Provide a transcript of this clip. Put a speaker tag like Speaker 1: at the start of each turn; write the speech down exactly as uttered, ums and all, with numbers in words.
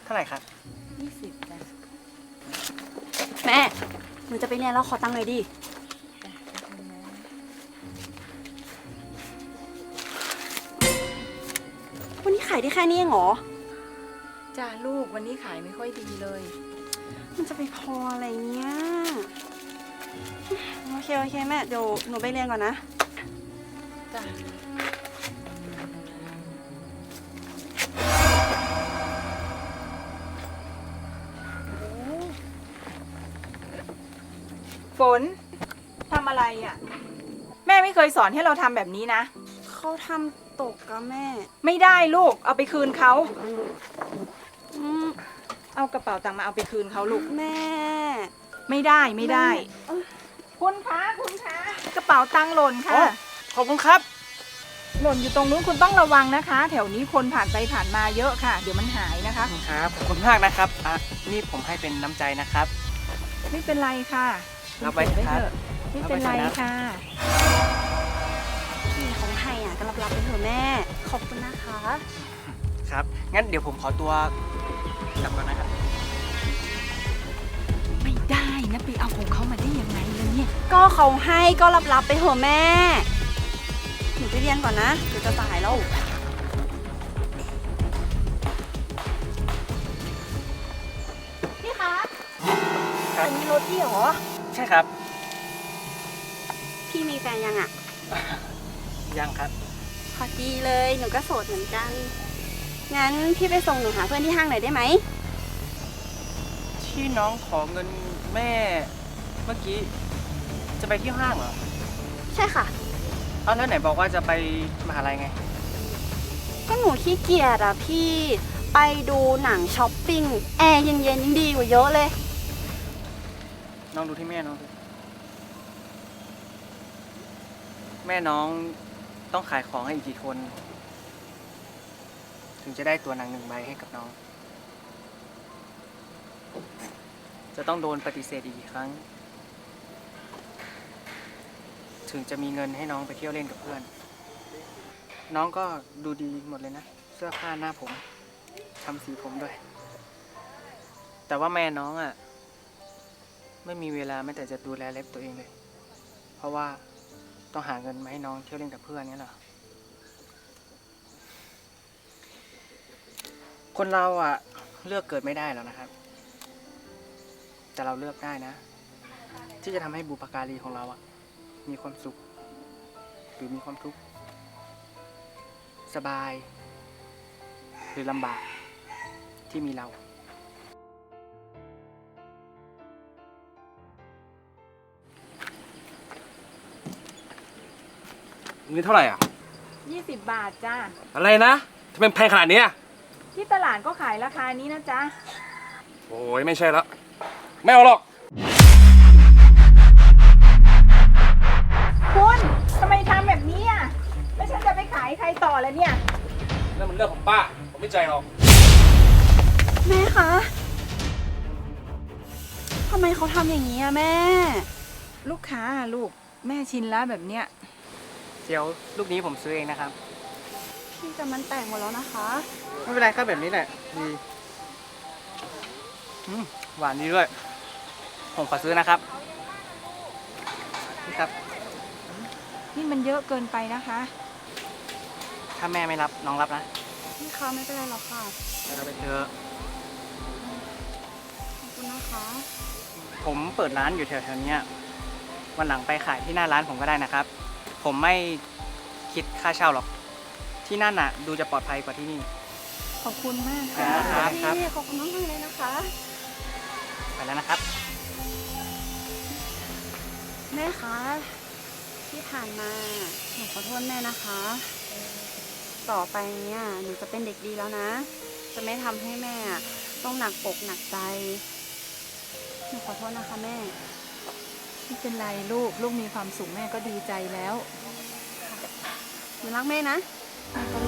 Speaker 1: าไหร่ครับ
Speaker 2: ยี่สิบจ้ะ
Speaker 3: แม่หนูจะไปเรียนแล้วขอตังค์หน่อยดิ
Speaker 2: จ้ะขอบคุณนะ
Speaker 3: วันนี้ขายได้แค่นี้เองเหรอ
Speaker 2: จ้าลูกวันนี้ขายไม่ค่อยดีเลย
Speaker 3: มันจะไปพออะไรเนี่ย โอเคโอเคแม่เดี๋ยวหนูไปเรียนก่อนนะ
Speaker 2: จ้ะ
Speaker 4: ฝนทำอะไรอ่ะ แม่ไม่เคยสอนให้เราทำแบบนี้นะ
Speaker 3: เขาทำตกกับแม่
Speaker 4: ไม่ได้ลูกเอาไปคืนเขา
Speaker 3: อืม
Speaker 4: เอากระเป๋าตังค์มาเอาไปคืนเขาลูก
Speaker 3: แม่
Speaker 4: ไม่ได้ไม่ได้
Speaker 3: เอ้ย
Speaker 4: คุณคะคุณคะกระเป๋าตังค์หล่น
Speaker 1: อ๋
Speaker 4: ค่ะ
Speaker 1: อ ขอบคุณครับ
Speaker 4: หล่นอยู่ตรงนู้นคุณต้องระวังนะคะ แถวนี้คนผ่านไปผ่านมาเยอะค่ะ เดี๋ยวมันหายนะคะ
Speaker 1: ครับ ขอบคุณมากนะครับ อ่ะ นี่ผมให้เป็นน้ำใจนะครับ
Speaker 4: ไม่เป็นไรค่ะ
Speaker 1: รับไว้เถอะครับ
Speaker 4: ไม่เป็นไรค่ะ
Speaker 3: พี่ของให้อ่ะก็รับๆไปเถอะแม่ ขอบคุณนะคะ
Speaker 1: ครับ งั้นเดี๋ยวผมขอตัวกลับก่อนนะครับ
Speaker 4: ไม่ได้นะไปเอาของเขามาได้ยังไงเลยเนี่ย
Speaker 3: ก็เขาให้ก็รับๆไปเถอะแม่ หนูไปเรียนก่อนนะ เดี๋ยวจะสายแล้ว พี่คะ
Speaker 1: ครับ
Speaker 3: อันนี้รถพี่เหรอ
Speaker 1: ใช่ครับ
Speaker 3: พี่มีแฟนยังอ่ะ
Speaker 1: ยังครับ
Speaker 3: พอดีเลย หนูก็โสดเหมือนกัน งั้นพี่ไปส่งหนูหาเพื่อนที่ห้างหน่อยได้ไหม
Speaker 1: ที่น้องขอเงินแม่ เมื่อกี้ จะไปที่ห้างเหรอ
Speaker 3: ใช่ค่ะ
Speaker 1: เอาแล้วไหนบอกว่าจะไปมหาลัยไง
Speaker 3: ก็หนูขี้เกียจอ่ะพี่ ไปดูหนังช้อปปิ้ง แอร์เย็นๆยังดีกว่าเยอะเลย
Speaker 1: น้องดูที่แม่น้องดูแม่น้องต้องขายของให้อีกกี่คน ถึงจะได้ตัวหนังหนึ่งใบให้กับน้อง จะต้องโดนปฏิเสธอีกกี่ครั้ง ถึงจะมีเงินให้น้องไปเที่ยวเล่นกับเพื่อน น้องก็ดูดีหมดเลยนะ เสื้อผ้าหน้าผมทำสีผมด้วย แต่ว่าแม่น้องอ่ะ ไม่มีเวลาแม้แต่จะดูแลเล็บตัวเองเลย เพราะว่าต้องหาเงินมาให้น้องเที่ยวเล่นกับเพื่อนนี่แหละคนเราอ่ะเลือกเกิดไม่ได้แล้วนะครับ แต่เราเลือกได้นะ ที่จะทำให้บุพการีของเราอ่ะมีความสุข หรือมีความทุกข์สบาย หรือลำบากที่มีเรา
Speaker 5: นี่เท่าไหร่อ่ะ
Speaker 4: ยี่สิบบาทจ้า
Speaker 5: อะไรนะทำไมแพงขนาดเนี้ย
Speaker 4: ที่ตลาดก็ขายราคานี้นะจ๊ะ
Speaker 5: โอ้ยไม่ใช่แล้ว ไม่เอาหรอก
Speaker 4: คุณทำไมทำแบบนี้อ่ะแล้วฉันจะไปขายใครต่อแล้วเนี่ย
Speaker 5: นั่นมันเรื่องของป้า ผมไม่ใจหรอก
Speaker 3: แม่คะทำไมเขาทำอย่างนี้อะแม่
Speaker 4: ลูกค้าอะลูกแม่ชินแล้วแบบเนี้ย
Speaker 1: เดี๋ยวลูกนี้ผมซื้อเองนะครับ
Speaker 3: พี่แต่มันแตกหมดแล้วนะคะ
Speaker 1: ไม่เป็นไรครับแบบนี้แหละดีอืมหวานดีด้วย ผมขอซื้อนะครับนี่ครับ
Speaker 4: นี่มันเยอะเกินไปนะคะ
Speaker 1: ถ้าแม่ไม่รับน้องรับนะ
Speaker 3: พี่คะไม่เป็นไรหรอกค่ะ
Speaker 1: เราไปเถอะ
Speaker 3: ขอบคุณนะคะ
Speaker 1: ผมเปิดร้านอยู่แถวๆเนี้ยวันหลังไปขายที่หน้าร้านผมก็ได้นะครับ ผมไม่คิดค่าเช่าหรอก ที่นั่นน่ะ ดูจะปลอดภัยกว่าที่นี่
Speaker 4: ขอบคุณมาก
Speaker 1: ครั
Speaker 4: ค่ะ
Speaker 1: บครับ
Speaker 3: พี่ขอบคุณมากๆเลยนะคะ
Speaker 1: ไปแล้วนะครับ
Speaker 3: แม่คะ ที่ผ่านมาหนูขอโทษแม่นะคะ ต่อไปเนี่ยหนูจะเป็นเด็กดีแล้วนะ จะไม่ทำให้แม่ต้องหนักอกหนักใจ หนูขอโทษนะคะแม่
Speaker 4: ไม่เป็นไรลูกลูกมีความสุขแม่ก็ดีใจแล้ว
Speaker 3: หนูรักแม่นะ
Speaker 4: แม่ก็